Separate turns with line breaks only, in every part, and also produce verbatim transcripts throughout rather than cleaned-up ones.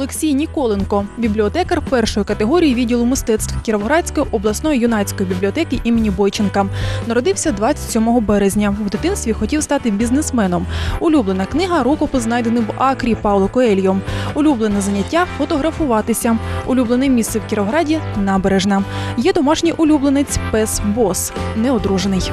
Олексій Ніколенко, бібліотекар першої категорії відділу мистецтв Кіровоградської обласної юнацької бібліотеки імені Бойченка. Народився двадцять сьомого березня. В дитинстві хотів стати бізнесменом. Улюблена книга – рукопис, знайдений в Акрі Пауло Коельо. Улюблене заняття – фотографуватися. Улюблене місце в Кіровограді – Набережна. Є домашній улюбленець – пес Бос, неодружений.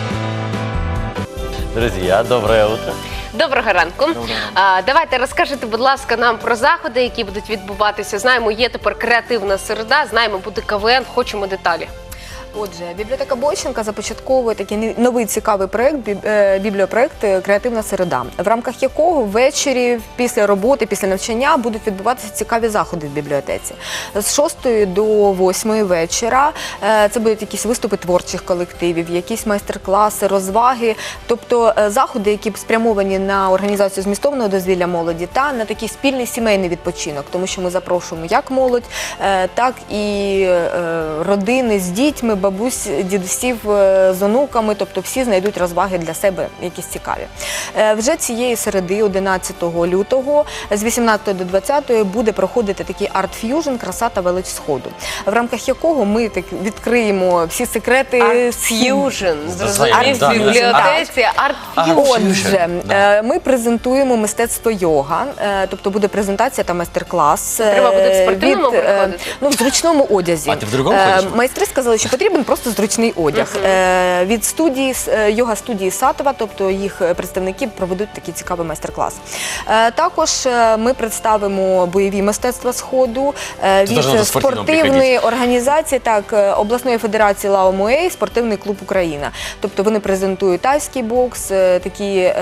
Друзья, доброе утро.
Доброго ранку. А, давайте розкажете, будь ласка, нам про заходи, які будуть відбуватися. Знаємо, є тепер креативна середа, знаємо, буде КВН, хочемо деталі.
Отже, бібліотека Бойченка започатковує такий новий цікавий проєкт, бібліопроєкт «Креативна середа», в рамках якого ввечері, після роботи, після навчання будуть відбуватися цікаві заходи в бібліотеці. З шостої до восьмої вечора це будуть якісь виступи творчих колективів, якісь майстер-класи, розваги, тобто заходи, які спрямовані на організацію змістовного дозвілля молоді та на такий спільний сімейний відпочинок, тому що ми запрошуємо як молодь, так і родини з дітьми, бабусь, дідусів з онуками, тобто всі знайдуть розваги для себе якісь цікаві. Вже цієї середи, одинадцятого лютого, з вісімнадцятої до двадцятої буде проходити такий арт-ф'южн «Краса та велич Сходу», в рамках якого ми так відкриємо всі секрети.
Арт-ф'южн, зрозуміло, в бібліотеці, арт-ф'южн.
Отже, ми презентуємо мистецтво йога, тобто буде презентація та майстер-клас.
Треба буде в спортивному приходити?
Ну, в зручному одязі.
А ти в другому ходиш?
Майстри сказали, що потрібен просто зручний одяг. Uh-huh. Від студії, йога-студії Сатова, тобто їх представники проведуть такий цікавий майстер-клас. Також ми представимо бойові мистецтва Сходу від спортивної організації, так, обласної федерації Лао Муей, спортивний клуб Україна. Тобто вони презентують тайський бокс, такі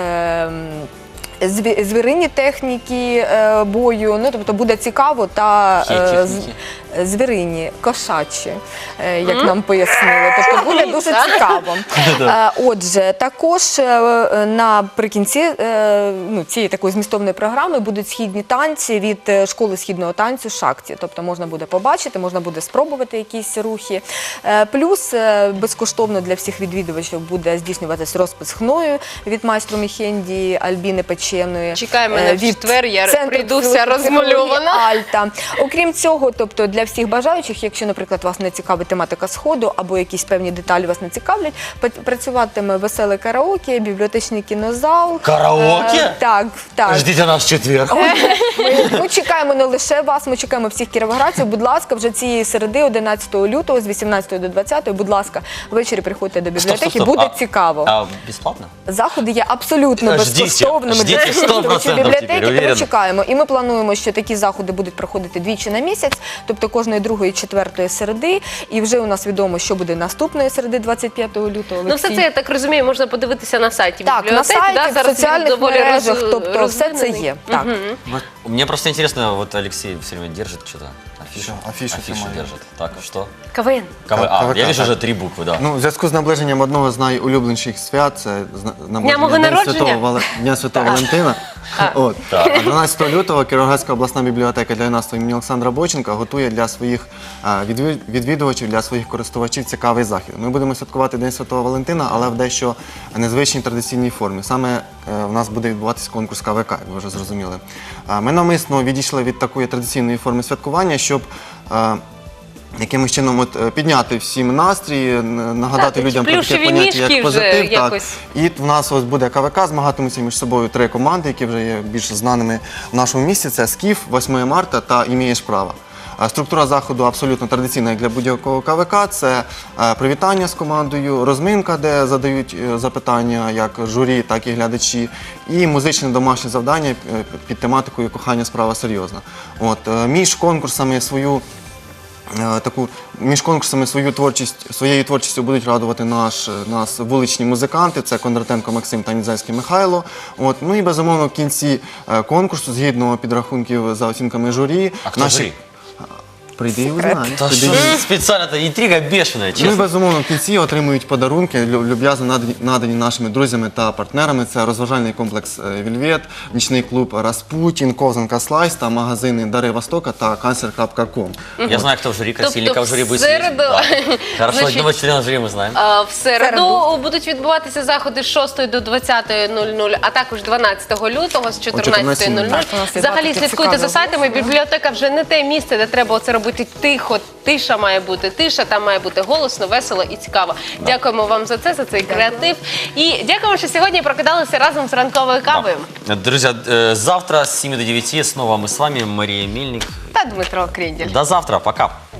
звірині техніки бою, ну, тобто буде цікаво та звірині, кошачі, як нам пояснили. Тобто буде дуже цікаво. Отже, також наприкінці ну, цієї такої змістовної програми будуть східні танці від школи східного танцю «Шакті». Тобто можна буде побачити, можна буде спробувати якісь рухи. Плюс безкоштовно для всіх відвідувачів буде здійснюватись розпис хною від майстру Міхенді Альбіни Печеної.
Чекай мене в четвер, я прийду вся розмальована.
Альта. Окрім цього, тобто для всіх бажаючих, якщо, наприклад, вас не цікавить тематика Сходу або якісь певні деталі вас не цікавлять, працюватиме веселе караоке, бібліотечний кінозал.
Караоке?
Так, так.
Ждіть нас в четвер.
Ми, ми чекаємо не лише вас, ми чекаємо всіх кіровоградців. Будь ласка, вже цієї середи, одинадцятого лютого, з вісімнадцятої до двадцятої, будь ласка, ввечері приходьте до бібліотеки,
стоп, стоп, стоп.
буде
А,
цікаво.
А безплатно?
Заходи є абсолютно
Ждіть,
безкоштовними
ждіть,
для
сто процентів
відвідувачів бібліотеки,
тепер,
тому
уверен.
чекаємо. І ми плануємо, що такі заходи будуть проходити двічі на місяць, тобто кожної другої, четвертої середи. І вже у нас відомо, що буде наступної середи, двадцять п'ятого лютого.
Ну, все це, я так розумію, можна подивитися на сайті
Так,
бібліотеки.
на сайті,
да?
в
Зараз він
соціальних
доволі
мережах,
роз-
тобто все це
розвинений.
є. Так.
Вот, мне просто интересно, вот Алексей все время держит что-то. Афишу,
Что, афишу
афишу
снимает.
держит. Так, что?
КВН.
КВ...
К-
А,
КВК,
я вижу
так.
уже три буквы, да.
Ну, в зв'язку з наближенням одного з найулюбленіших свят, це зна- наближення
мого
День
народження?
Святого Вале- Дня Святого Валентина. От.
Так.
А дванадцятого лютого Кіровоградська обласна бібліотека для юнацтва імені Олександра Бойченка готує для своїх а, відві- відвідувачів, для своїх користувачів цікавий захід. Ми будемо святкувати День Святого Валентина, але в дещо незвичній традиційній формі. Саме е, в нас буде відбуватися конкурс КВК, як ви вже зрозуміли. А, Ми навмисно відійшли від такої традиційної форми святкування, щоб е, якимось чином от, е, підняти всім настрій, н- нагадати
Так,
людям про таке
плюшеві
поняття,
мішки
як
вже
позитив. Так.
якось.
І в нас ось буде КВК, змагатимуться між собою три команди, які вже є більш знаними в нашому місті. Це «Скіф», восьме марта та «Імієш право». А Структура заходу абсолютно традиційна як для будь-якого КВК. Це е, привітання з командою, розминка, де задають е, запитання як журі, так і глядачі, і музичне домашнє завдання е, під тематикою «Кохання справа серйозна». От, е, між конкурсами свою Е, таку між конкурсами свою творчість своєю творчістю будуть радувати наш нас вуличні музиканти. Це Кондратенко Максим та Нідзельський Михайло. От, ну і безумовно в кінці е, конкурсу, згідно підрахунків за оцінками журі,
А хто журі?
Прийди і узнай.
Да
Прийди
что
і-
ж специально-то, интрига бешеная,
Ну і
честно.
безумовно в кінці отримують подарунки, лю- люб'язно надані, надані нашими друзями та партнерами. Це розважальний комплекс е, Вільвет, нічний клуб Распутін, ковзанка Слайс та магазини Дари Востока та канцлер крапка ком.
Я знаю, кто в жюри,
Тобто
Красильников в жюри
в
будет
середу-
сидеть. Да. Хорошо,
Значить,
одного члена жюри мы знаем.
А, В середу
Середу.
будуть відбуватися заходи з шостої до двадцятої нуль нуль, а також дванадцятого лютого з чотирнадцятої нуль нуль.
Так, у нас є
Взагалі
багато
слідкуйте за
цікавих
сайтами. Бібліотека вже не те місце, де треба оце робити тихо. Тиша має бути тиша, там має бути голосно, весело і цікаво. Дякуємо вам за це, за цей креатив. І дякуємо, що сьогодні прокидалися разом з ранковою кавою.
Друзья, э, завтра с семи до девяти снова мы с вами, Мария Мельник.
Та Дмитро Крінділь.
До завтра, пока.